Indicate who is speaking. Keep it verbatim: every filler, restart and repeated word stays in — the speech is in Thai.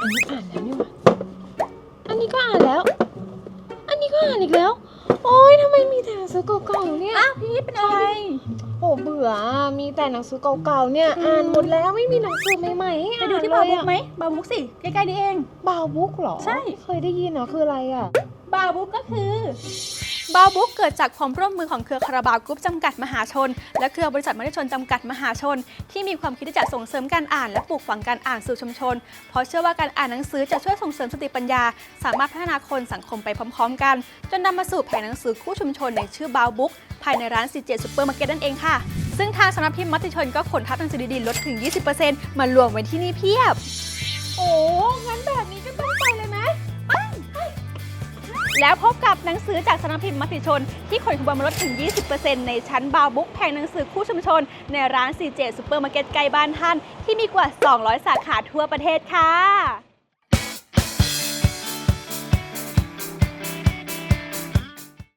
Speaker 1: อันนี้อ่านแล้วนี่หว่าอันนี้ก็อ่านแล้ว อันนี้ก็อ่านอีกแล้ว โอ๊ยทำไมมีแต่หนังสือเก่าๆเนี่ย
Speaker 2: อ้าวพีทเป็นอะไร
Speaker 1: โอ้เบื่อมีแต่หนังสือเก่าๆเนี่ยอ่านหมดแล้วไม่มีหนังสือใหม่ๆให้
Speaker 2: ไป
Speaker 1: อ่าน
Speaker 2: ดูที่
Speaker 1: เล
Speaker 2: บาวย บุ๊ก
Speaker 1: อะ
Speaker 2: ไหมบาวบุ๊กสิใกล้ๆนี่เอง
Speaker 1: บาวบุ๊กเหรอ
Speaker 2: ใช่
Speaker 1: เคยได้ยินเหรอคืออะไรอ่ะ
Speaker 2: บาวบุ๊กก็คือบาวบุ๊กเกิดจากความร่วมมือของเครือคาราบาวกรุ๊ปจำกัดมหาชนและเครือบริษัทมติชนจำกัดมหาชนที่มีความคิดที่จะส่งเสริมการอ่านและปลูกฝังการอ่านสู่ชุมชนเพราะเชื่อว่าการอ่านหนังสือจะช่วยส่งเสริมสติปัญญาสามารถพัฒนาคนสังคมไปพร้อมๆกันจนนำมาสู่แผงหนังสือคู่ชุมชนในชื่อบาวบุ๊กภายในร้าน ซี เจ ซูเปอร์มาร์เก็ตนั่นเองค่ะซึ่งทางสำนักพิมพ์มติชนก็ขนทัพหนังสือดีๆลดถึง ยี่สิบเปอร์เซ็นต์ มารวมไว้ที่นี่เพียบ
Speaker 1: โอ้งั้นแบบนี้ก็ต้องไปเลยไหม
Speaker 2: แล้วพบกับหนังสือจากสำนักพิมพ์มติชนที่ขนขบวนมาลดถึง ยี่สิบเปอร์เซ็นต์ ในชั้นบาวบุ๊กแผงหนังสือคู่ชุมชนในร้าน ซี เจ ซูเปอร์มาร์เก็ตใกล้บ้านท่านที่มีกว่า สองร้อย สาขาทั่วประเทศค่ะ